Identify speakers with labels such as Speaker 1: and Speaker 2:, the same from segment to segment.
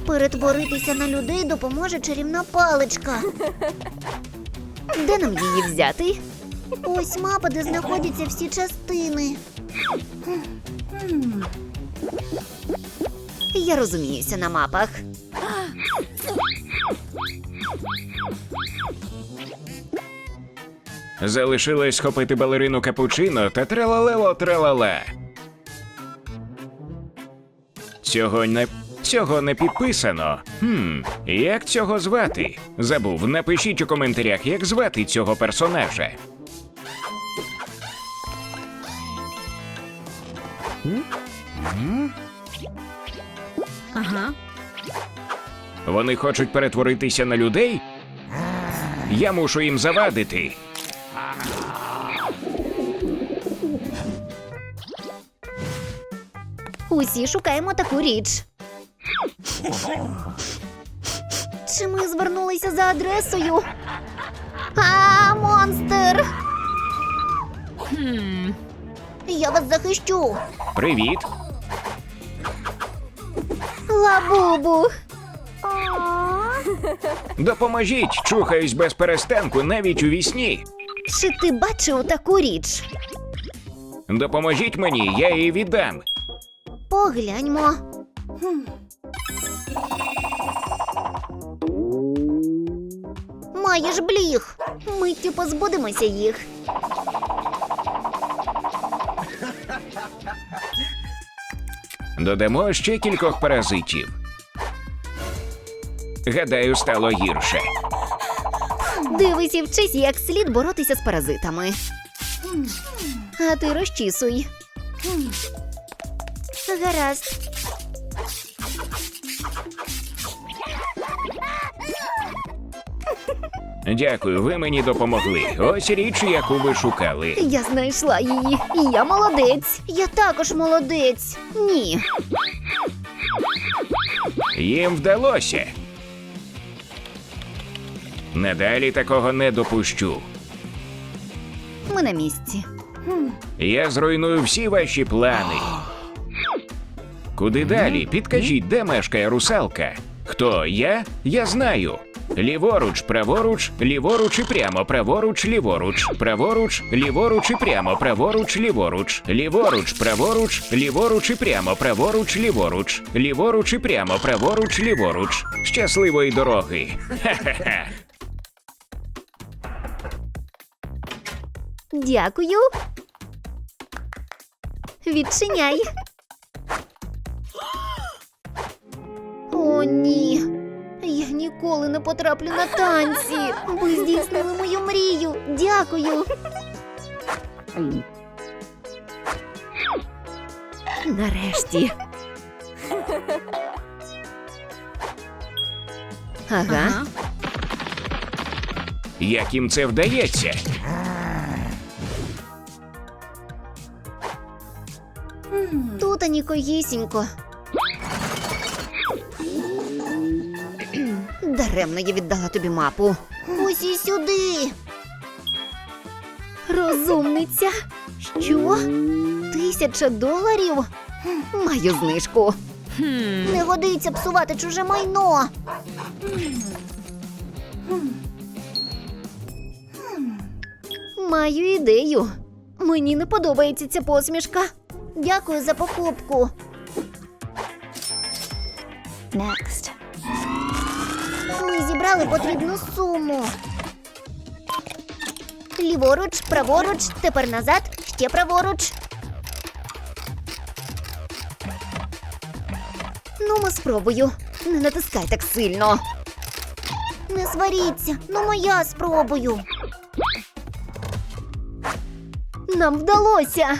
Speaker 1: Перетворитися на людей допоможе чарівна паличка. Де нам її взяти? Ось мапа, де знаходяться всі частини. Я розуміюся на мапах.
Speaker 2: Залишилось схопити балерину Капучино та тралалело-тралала. Цього не підписано. Як цього звати? Забув, напишіть у коментарях, як звати цього персонажа.
Speaker 3: Ага.
Speaker 2: Вони хочуть перетворитися на людей? Я мушу їм завадити.
Speaker 1: Усі шукаємо таку річ. Чи ми звернулися за адресою? А, монстр! Я вас захищу.
Speaker 2: Привіт.
Speaker 1: Лабубу.
Speaker 2: Допоможіть, чухаюсь без перестанку навіть у вісні.
Speaker 1: Чи ти бачив таку річ?
Speaker 2: Допоможіть мені, я її віддам.
Speaker 1: Погляньмо. Маєш бліг. Миттю позбудемося їх.
Speaker 2: Додамо ще кількох паразитів. Гадаю, стало гірше.
Speaker 1: Дивись і вчись, як слід боротися з паразитами. А ти розчісуй. Гаразд.
Speaker 2: Дякую, ви мені допомогли. Ось річ, яку ви шукали.
Speaker 1: Я знайшла її. І я молодець. Я також молодець. Ні.
Speaker 2: Їм вдалося. Надалі такого не допущу.
Speaker 1: Ми на місці.
Speaker 2: Я зруйную всі ваші плани. Куди далі? Підкажіть, де мешкає русалка? Хто я? Я знаю. Ліворуч, праворуч, ліворуч і прямо, праворуч, ліворуч, праворуч, ліворуч і прямо, праворуч, ліворуч, ліворуч, праворуч, ліворуч і прямо, праворуч, ліворуч, ліворуч і прямо, праворуч, ліворуч. Щасливої дороги. Ха-ха-ха.
Speaker 1: Дякую. Відчиняй. О, ні. Я ніколи не потраплю на танці. Ви здійснили мою мрію. Дякую. Нарешті. Ага.
Speaker 2: Як їм це вдається?
Speaker 1: Тут анікогісінько. Даремно я віддала тобі мапу. Усі сюди. Розумниця. Що? $1000? Маю знижку. Не годиться псувати чуже майно. Маю ідею. Мені не подобається ця посмішка. Дякую за покупку. Next. Ми зібрали потрібну суму. Ліворуч, праворуч, тепер назад, ще праворуч. Ну, спробую. Не натискай так сильно. Не сваріться, я спробую. Нам вдалося.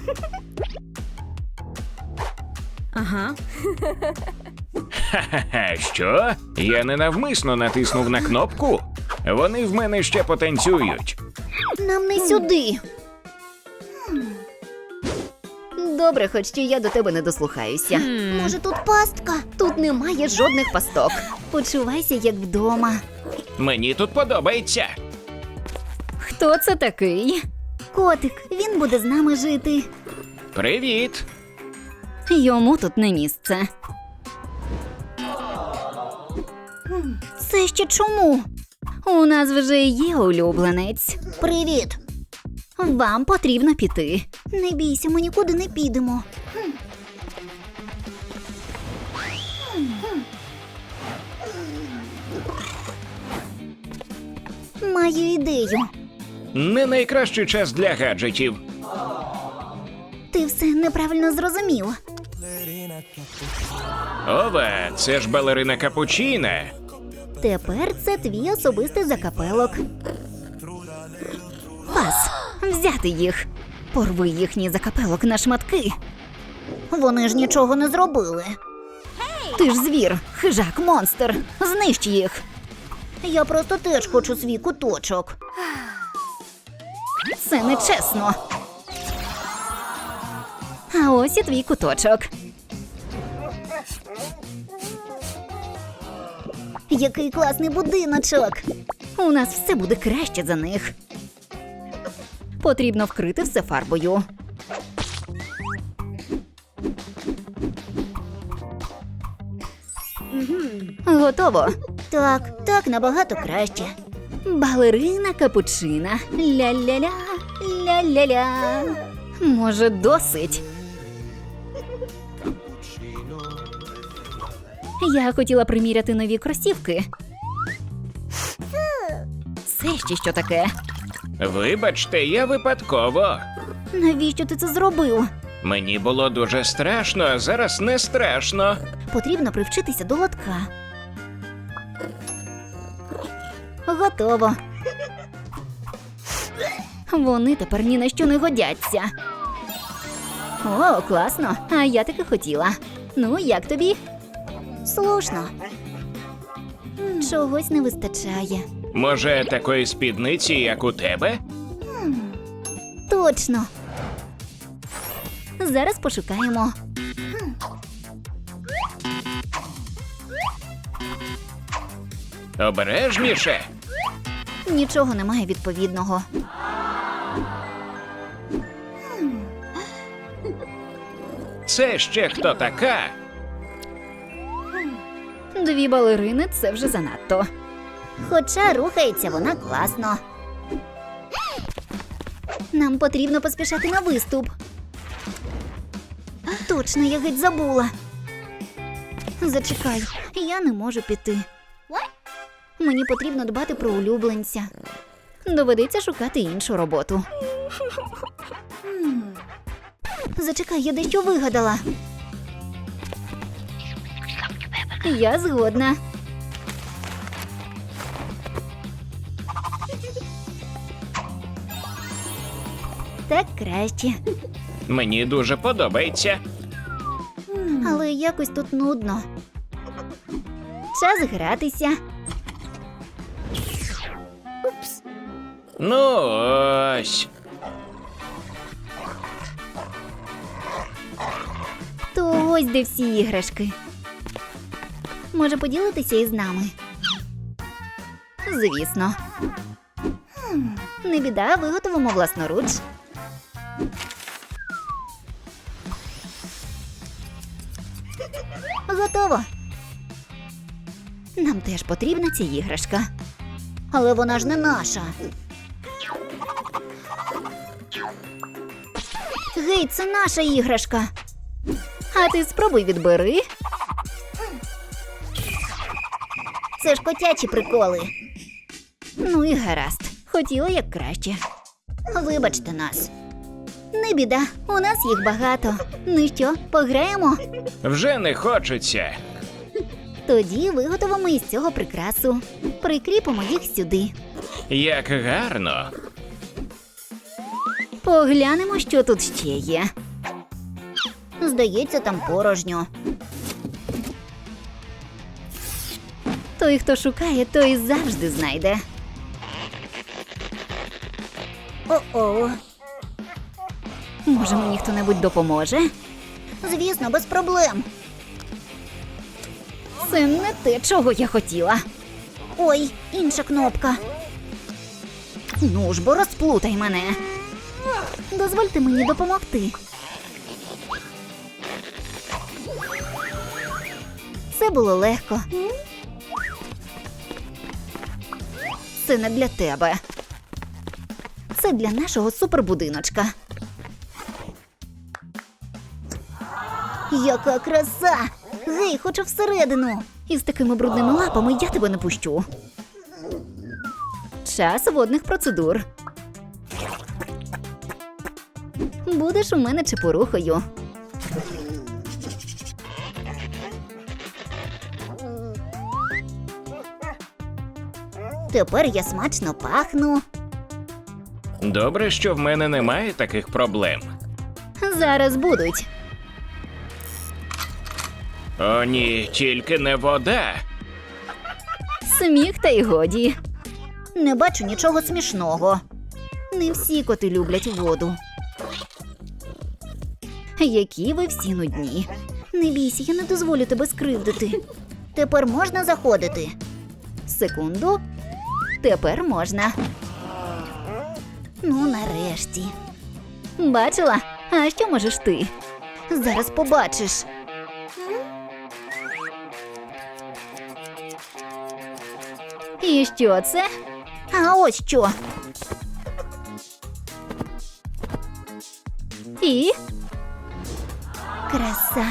Speaker 3: Ага.
Speaker 2: Ха-ха-ха, що? Я ненавмисно натиснув на кнопку? Вони в мене ще потанцюють.
Speaker 1: Нам не сюди. Добре, хоч що я до тебе не дослухаюся. Може, тут пастка? Тут немає жодних пасток. Почувайся, як вдома.
Speaker 2: Мені тут подобається.
Speaker 3: Хто це такий?
Speaker 1: Котик, він буде з нами жити.
Speaker 2: Привіт.
Speaker 3: Йому тут не місце. Це ще чому? У нас вже є улюбленець.
Speaker 1: Привіт!
Speaker 3: Вам потрібно піти.
Speaker 1: Не бійся, ми нікуди не підемо. Маю ідею.
Speaker 2: Не найкращий час для гаджетів.
Speaker 1: Ти все неправильно зрозумів.
Speaker 2: Ова, це ж балерина Капучіна.
Speaker 1: Тепер це твій особистий закапелок.
Speaker 3: Пас, взяти їх. Порви їхній закапелок на шматки.
Speaker 1: Вони ж нічого не зробили.
Speaker 3: Ти ж звір, хижак, монстр. Знищ їх.
Speaker 1: Я просто теж хочу свій куточок.
Speaker 3: Це нечесно. А ось і твій куточок.
Speaker 1: Який класний будиночок.
Speaker 3: У нас все буде краще за них. Потрібно вкрити все фарбою. Готово.
Speaker 1: Так, набагато краще.
Speaker 3: Балерина капучина. Ля-ля-ля, ля-ля-ля. Може, досить? Я хотіла приміряти нові кросівки. Це ще що таке?
Speaker 2: Вибачте, я випадково.
Speaker 3: Навіщо ти це зробив?
Speaker 2: Мені було дуже страшно, а зараз не страшно.
Speaker 3: Потрібно привчитися до лотка. Готово. Вони тепер ні на що не годяться. О, класно. А я таки хотіла. Ну, як тобі?
Speaker 1: Слушно. Чогось не вистачає.
Speaker 2: Може, такої спідниці, як у тебе?
Speaker 1: Точно. Зараз пошукаємо.
Speaker 2: Обережніше.
Speaker 1: Нічого немає відповідного.
Speaker 2: Це ще хто така?
Speaker 3: Дві балерини – це вже занадто.
Speaker 1: Хоча рухається вона класно. Нам потрібно поспішати на виступ. Точно, я геть забула. Зачекай, я не можу піти. Мені потрібно дбати про улюбленця.
Speaker 3: Доведеться шукати іншу роботу.
Speaker 1: Зачекай, я дещо вигадала.
Speaker 3: Я згодна.
Speaker 1: Так краще.
Speaker 2: Мені дуже подобається.
Speaker 1: Але якось тут нудно. Час гратися.
Speaker 2: Ну ось.
Speaker 1: То ось де всі іграшки. Може поділитися із нами?
Speaker 3: Звісно.
Speaker 1: Не біда, виготовимо власноруч. Готово.
Speaker 3: Нам теж потрібна ця іграшка.
Speaker 1: Але вона ж не наша. Гей, це наша іграшка.
Speaker 3: А ти спробуй відбери.
Speaker 1: Це ж котячі приколи.
Speaker 3: Ну і гаразд. Хотіла як краще.
Speaker 1: Вибачте нас. Не біда, у нас їх багато. Ну що, пограємо?
Speaker 2: Вже не хочеться.
Speaker 1: Тоді виготовимо із цього прикрасу. Прикріпимо їх сюди.
Speaker 2: Як гарно.
Speaker 3: Поглянемо, що тут ще є.
Speaker 1: Здається, там порожньо.
Speaker 3: Той, хто шукає, той завжди знайде.
Speaker 1: О-о.
Speaker 3: Може, мені хто-небудь допоможе?
Speaker 1: Звісно, без проблем.
Speaker 3: Це не те, чого я хотіла.
Speaker 1: Ой, інша кнопка.
Speaker 3: Ну ж бо розплутай мене.
Speaker 1: Дозвольте мені допомогти. Це було легко.
Speaker 3: Це не для тебе. Це для нашого супербудиночка.
Speaker 1: Яка краса! Гей, хочу всередину.
Speaker 3: І з такими брудними лапами я тебе не пущу. Час водних процедур. Будеш у мене чепурухою.
Speaker 1: Тепер я смачно пахну.
Speaker 2: Добре, що в мене немає таких проблем.
Speaker 3: Зараз будуть.
Speaker 2: О, ні, тільки не вода.
Speaker 3: Сміх та й годі.
Speaker 1: Не бачу нічого смішного.
Speaker 3: Не всі коти люблять воду. Які ви всі нудні. Не бійся, я не дозволю тебе скривдити.
Speaker 1: Тепер можна заходити.
Speaker 3: Секунду. Тепер можна.
Speaker 1: Ну, нарешті.
Speaker 3: Бачила? А що можеш ти?
Speaker 1: Зараз побачиш.
Speaker 3: І що це?
Speaker 1: А ось що.
Speaker 3: І?
Speaker 1: Краса.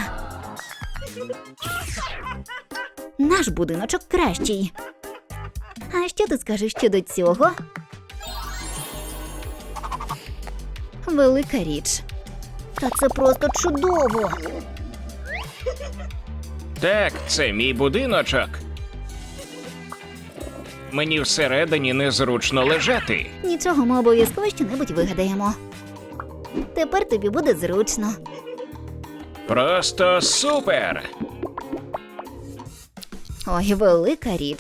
Speaker 3: Наш будиночок кращий. А що ти скажеш щодо цього? Велика річ.
Speaker 1: Та це просто чудово.
Speaker 2: Так, це мій будиночок. Мені всередині незручно лежати.
Speaker 3: Нічого, ми обов'язково щонебудь вигадаємо.
Speaker 1: Тепер тобі буде зручно.
Speaker 2: Просто супер!
Speaker 3: Ой, велика річ.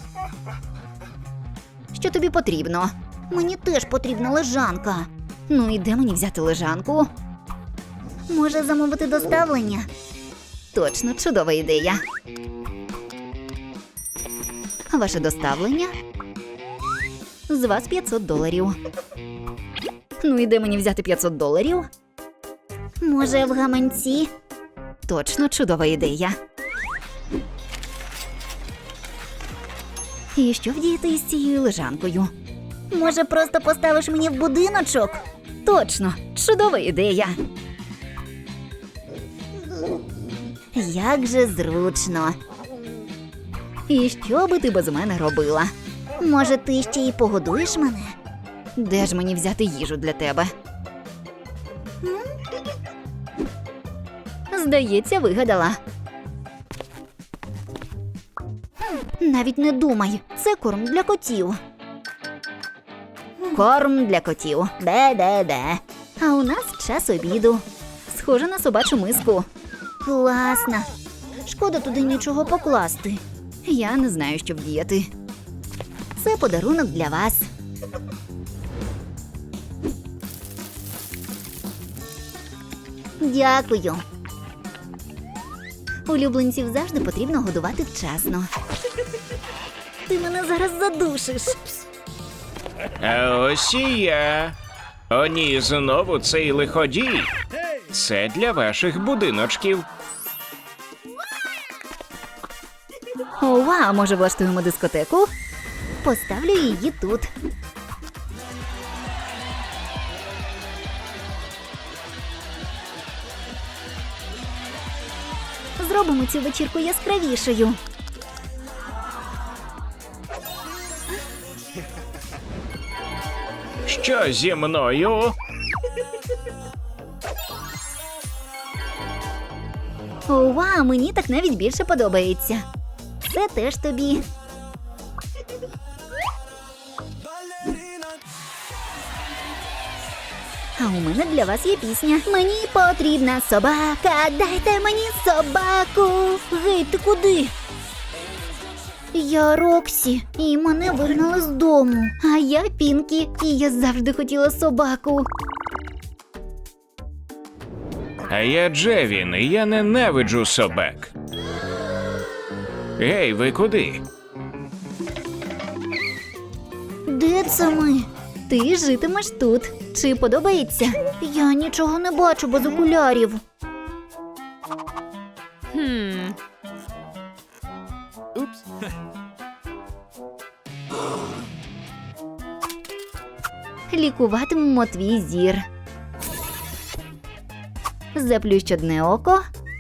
Speaker 3: Що тобі потрібно?
Speaker 1: Мені теж потрібна лежанка.
Speaker 3: Ну і де мені взяти лежанку?
Speaker 1: Може замовити доставлення?
Speaker 3: Точно, чудова ідея. Ваше доставлення? З вас $500. Ну і де мені взяти $500?
Speaker 1: Може, в гаманці?
Speaker 3: Точно, чудова ідея. І що вдіяти із цією лежанкою?
Speaker 1: Може, просто поставиш мені в будиночок?
Speaker 3: Точно, чудова ідея.
Speaker 1: Як же зручно.
Speaker 3: І що би ти без мене робила?
Speaker 1: Може, ти ще й погодуєш мене?
Speaker 3: Де ж мені взяти їжу для тебе? Здається, вигадала.
Speaker 1: Навіть не думай, це корм для котів.
Speaker 3: Корм для котів.
Speaker 1: Де.
Speaker 3: А у нас час обіду. Схоже на собачу миску.
Speaker 1: Класно. Шкода туди нічого покласти.
Speaker 3: Я не знаю, що вдіяти.
Speaker 1: Це подарунок для вас. Дякую.
Speaker 3: Улюбленців завжди потрібно годувати вчасно.
Speaker 1: Ти мене зараз задушиш.
Speaker 2: А ось і я. О, ні, знову цей лиходій. Це для ваших будиночків.
Speaker 3: Ова, може влаштуємо дискотеку?
Speaker 1: Поставлю її тут. Зробимо цю вечірку яскравішою.
Speaker 2: Що зі мною?
Speaker 3: Ова, мені так навіть більше подобається.
Speaker 1: Це теж тобі.
Speaker 3: А у мене для вас є пісня.
Speaker 1: Мені потрібна собака, дайте мені собаку. Гей, ти куди? Я Роксі, і мене вигнали з дому.
Speaker 3: А я Пінкі, і я завжди хотіла собаку.
Speaker 2: А я Джевін, і я ненавиджу собак. Гей, ви куди?
Speaker 1: Де це ми?
Speaker 3: Ти житимеш тут. Чи подобається?
Speaker 1: Я нічого не бачу без окулярів.
Speaker 3: Лікуватимемо твій зір. Заплющ одне око.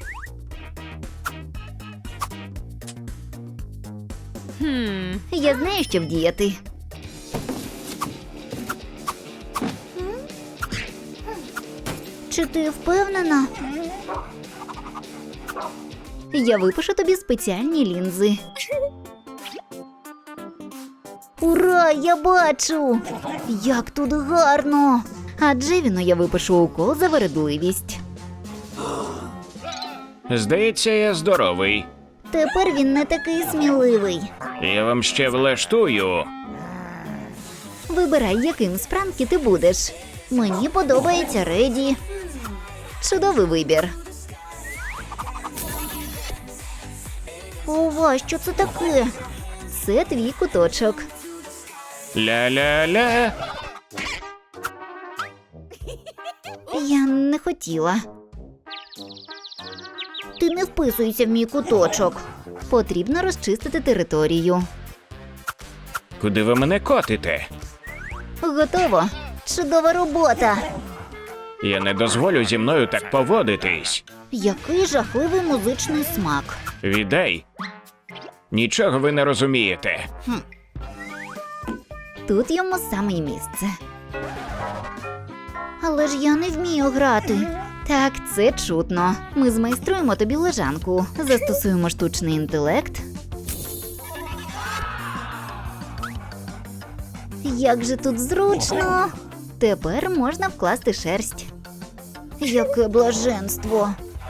Speaker 3: Я знаю, що вдіяти.
Speaker 1: Чи ти впевнена?
Speaker 3: Я випишу тобі спеціальні лінзи.
Speaker 1: Ура, я бачу! Як тут гарно!
Speaker 3: А Джевіну я випишу укол за вередливість.
Speaker 2: Здається, я здоровий.
Speaker 1: Тепер він не такий сміливий.
Speaker 2: Я вам ще влаштую.
Speaker 3: Вибирай, яким з пранки ти будеш.
Speaker 1: Мені подобається Реді.
Speaker 3: Чудовий вибір.
Speaker 1: Ова, що це таке?
Speaker 3: Це твій куточок.
Speaker 2: Ля-ля-ля.
Speaker 3: Я не хотіла.
Speaker 1: Ти не вписуєшся в мій куточок.
Speaker 3: Потрібно розчистити територію.
Speaker 2: Куди ви мене котите?
Speaker 3: Готово.
Speaker 1: Чудова робота!
Speaker 2: Я не дозволю зі мною так поводитись.
Speaker 1: Який жахливий музичний смак.
Speaker 2: Віддай. Нічого ви не розумієте.
Speaker 3: Тут йому саме й місце.
Speaker 1: Але ж я не вмію грати.
Speaker 3: Так, це чутно. Ми змайструємо тобі лежанку. Застосуємо штучний інтелект.
Speaker 1: Як же тут зручно!
Speaker 3: Тепер можна вкласти шерсть.
Speaker 1: Яке блаженство!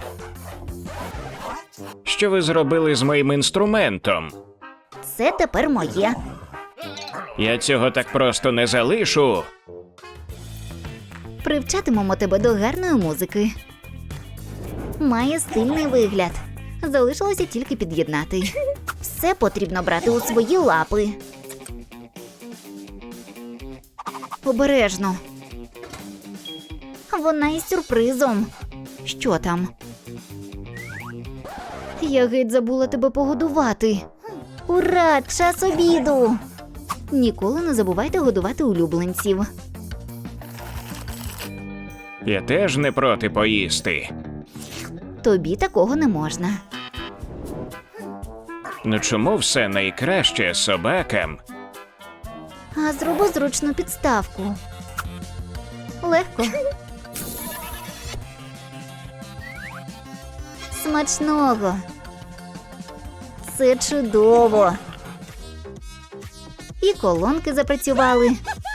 Speaker 2: Що ви зробили з моїм інструментом?
Speaker 1: Це тепер моє.
Speaker 2: Я цього так просто не залишу.
Speaker 3: Привчатимемо тебе до гарної музики.
Speaker 1: Має стильний вигляд.
Speaker 3: Залишилося тільки під'єднати.
Speaker 1: Все потрібно брати у свої лапи.
Speaker 3: Обережно.
Speaker 1: Вона із сюрпризом.
Speaker 3: Що там? Я геть забула тебе погодувати.
Speaker 1: Ура! Час обіду!
Speaker 3: Ніколи не забувайте годувати улюбленців.
Speaker 2: Я теж не проти поїсти.
Speaker 3: Тобі такого не можна.
Speaker 2: Ну чому все найкраще собакам?
Speaker 1: А зроби зручну підставку.
Speaker 3: Легко.
Speaker 1: Смачного! Це чудово!
Speaker 3: І колонки запрацювали.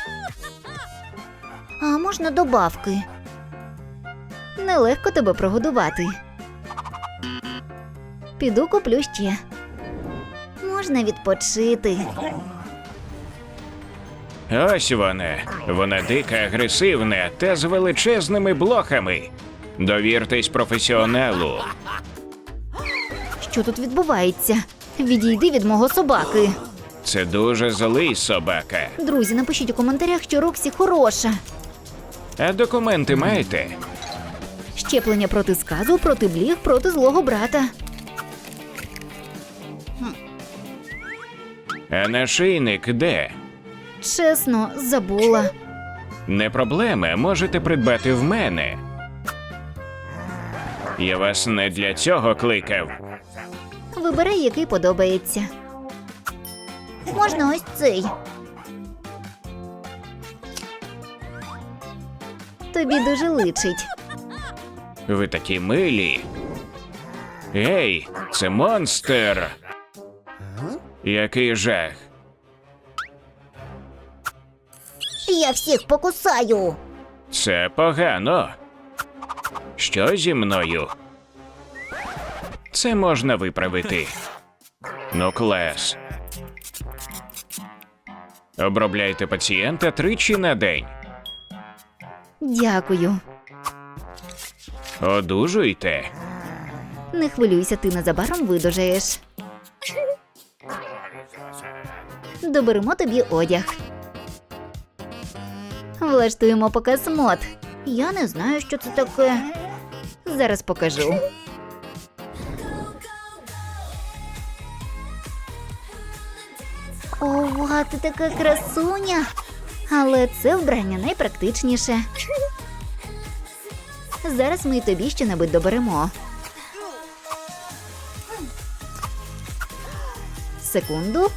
Speaker 1: А можна добавки?
Speaker 3: Нелегко тебе прогодувати. Піду куплю ще.
Speaker 1: Можна відпочити.
Speaker 2: Ось вона. Вона дика, агресивна та з величезними блохами. Довіртесь професіоналу.
Speaker 3: Що тут відбувається? Відійди від мого собаки.
Speaker 2: Це дуже злий собака.
Speaker 3: Друзі, напишіть у коментарях, що Роксі хороша.
Speaker 2: А документи маєте?
Speaker 3: Щеплення проти сказу, проти бліг, проти злого брата.
Speaker 2: А нашийник де?
Speaker 3: Чесно, забула.
Speaker 2: Не проблема, можете придбати в мене. Я вас не для цього кликав.
Speaker 3: Вибирай, який подобається.
Speaker 1: Можна ось цей.
Speaker 3: Тобі дуже личить.
Speaker 2: Ви такі милі. Ей, це монстр. Який жах.
Speaker 1: Я всіх покусаю.
Speaker 2: Це погано. Що зі мною? Це можна виправити. Ну, клас. Обробляйте пацієнта 3 на день.
Speaker 3: Дякую.
Speaker 2: Одужуйте.
Speaker 3: Не хвилюйся, ти незабаром видужаєш. Доберемо тобі одяг. Влаштуємо показ мод.
Speaker 1: Я не знаю, що це таке.
Speaker 3: Зараз покажу.
Speaker 1: Ова, ти така красуня.
Speaker 3: Але це вбрання найпрактичніше. Зараз ми й тобі що-небудь доберемо. Секунду.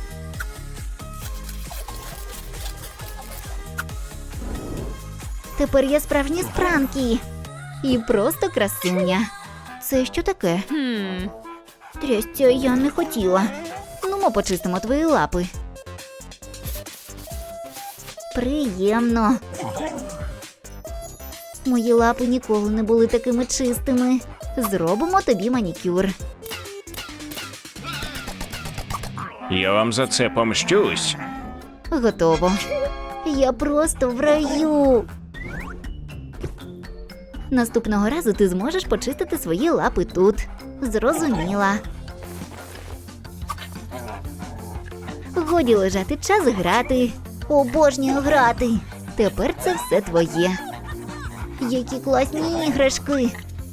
Speaker 3: Тепер я справжній Спранкі. І просто красуня. Це що таке? Трясця, я не хотіла. Ну, ми почистимо твої лапи. Приємно. Мої лапи ніколи не були такими чистими. Зробимо тобі манікюр.
Speaker 2: Я вам за це помщусь.
Speaker 3: Готово. Я просто в раю. Наступного разу ти зможеш почистити свої лапи тут. Зрозуміла. Годі лежати, час грати.
Speaker 1: Обожнюю грати.
Speaker 3: Тепер це все твоє.
Speaker 1: Які класні іграшки.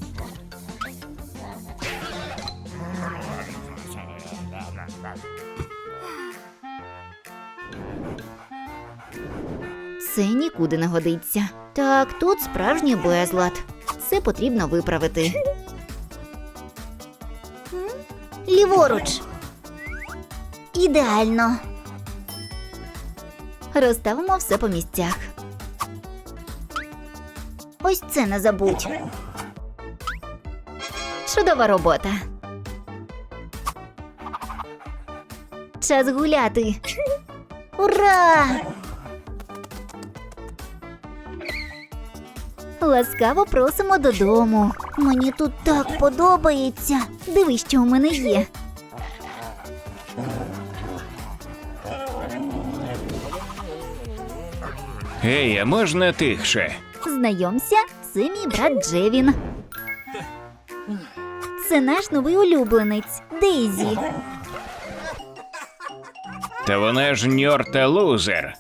Speaker 3: Це нікуди не годиться. Так, тут справжній безлад. Це потрібно виправити.
Speaker 1: Ліворуч. Ідеально.
Speaker 3: Розставимо все по місцях.
Speaker 1: Ось це не забудь.
Speaker 3: Чудова робота. Час гуляти.
Speaker 1: Ура!
Speaker 3: Ласкаво просимо додому.
Speaker 1: Мені тут так подобається.
Speaker 3: Дивись, що у мене є.
Speaker 2: Гей, а можна тихше?
Speaker 3: Знайомся, це мій брат Джевін. Це наш новий улюбленець Дейзі.
Speaker 2: Та вона ж ньор та лузер.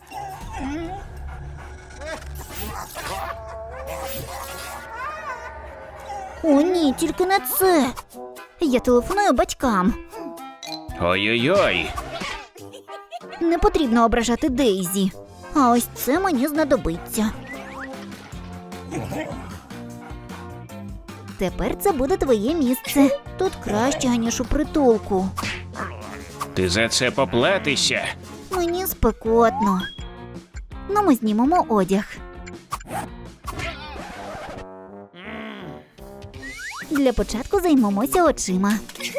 Speaker 1: О, ні, тільки не це.
Speaker 3: Я телефоную батькам.
Speaker 2: Ой-ой-ой.
Speaker 3: Не потрібно ображати Дейзі.
Speaker 1: А ось це мені знадобиться.
Speaker 3: Тепер це буде твоє місце.
Speaker 1: Тут краще, ніж у притулку.
Speaker 2: Ти за це поплатишся?
Speaker 1: Мені спекотно.
Speaker 3: Ну, ми знімемо одяг. Для початку займемося очима.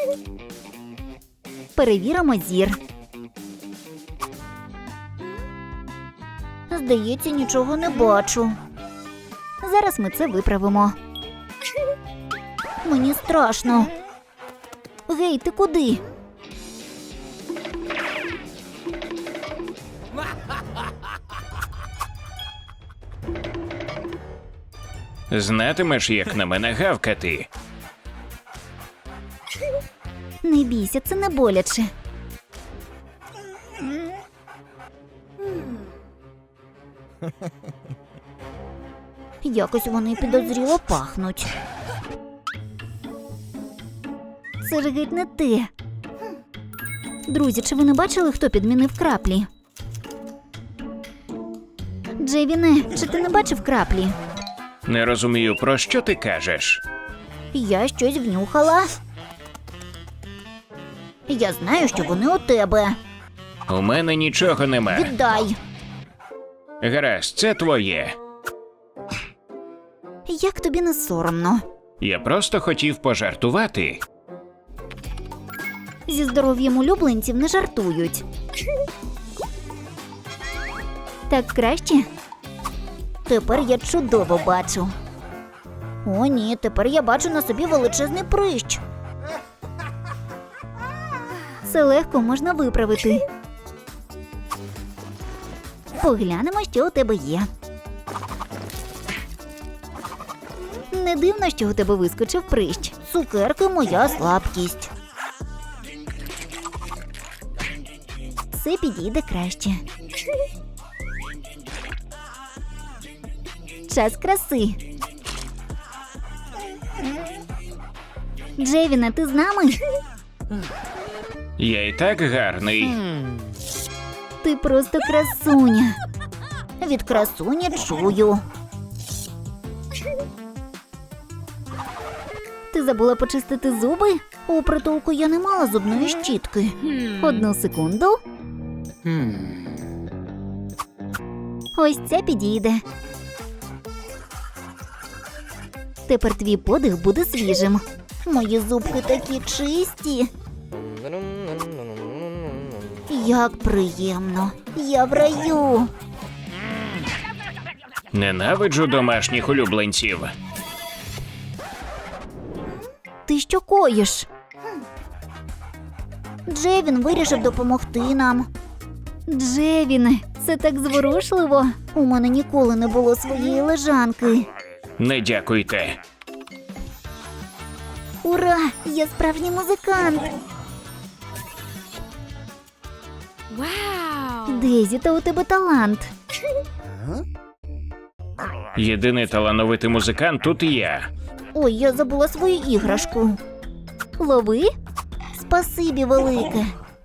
Speaker 3: Перевіримо зір.
Speaker 1: Здається, нічого не бачу.
Speaker 3: Зараз ми це виправимо.
Speaker 1: Мені страшно.
Speaker 3: Гей, ти куди?
Speaker 2: Знатимеш, як на мене гавкати.
Speaker 3: Не бійся, це не боляче.
Speaker 1: Якось вони підозріло пахнуть.
Speaker 3: Це ж геть не те. Друзі, чи ви не бачили, хто підмінив краплі? Джевіне, чи ти не бачив краплі?
Speaker 2: Не розумію, про що ти кажеш.
Speaker 1: Я щось внюхала. Я знаю, що вони у тебе.
Speaker 2: У мене нічого нема.
Speaker 1: Віддай.
Speaker 2: Гаразд, це твоє.
Speaker 3: Як тобі не соромно?
Speaker 2: Я просто хотів пожартувати.
Speaker 3: Зі здоров'ям улюбленців не жартують. Так краще?
Speaker 1: Тепер я чудово бачу. О, ні, тепер я бачу на собі величезний прищ.
Speaker 3: Це легко можна виправити. Поглянемо, що у тебе є. Не дивно, що у тебе вискочив прищ.
Speaker 1: Цукерки – моя слабкість.
Speaker 3: Це підійде краще. Час краси. Джевіне, ти з нами?
Speaker 2: Я і так гарний.
Speaker 3: Ти просто красуня.
Speaker 1: Від красуні чую.
Speaker 3: Ти забула почистити зуби?
Speaker 1: У притулку я не мала зубної щітки.
Speaker 3: Одну секунду. Ось це підійде. Тепер твій подих буде свіжим.
Speaker 1: Мої зубки такі чисті. Як приємно. Я в раю.
Speaker 2: Ненавиджу домашніх улюбленців.
Speaker 3: Ти що коїш?
Speaker 1: Джевін вирішив допомогти нам.
Speaker 3: Джевіне, це так зворушливо.
Speaker 1: У мене ніколи не було своєї лежанки.
Speaker 2: Не дякуйте.
Speaker 1: Ура! Я справжній музикант.
Speaker 3: Дезі, та у тебе талант.
Speaker 2: Єдиний талановитий музикант тут я.
Speaker 1: Ой, я забула свою іграшку.
Speaker 3: Лови.
Speaker 1: Спасибі велике.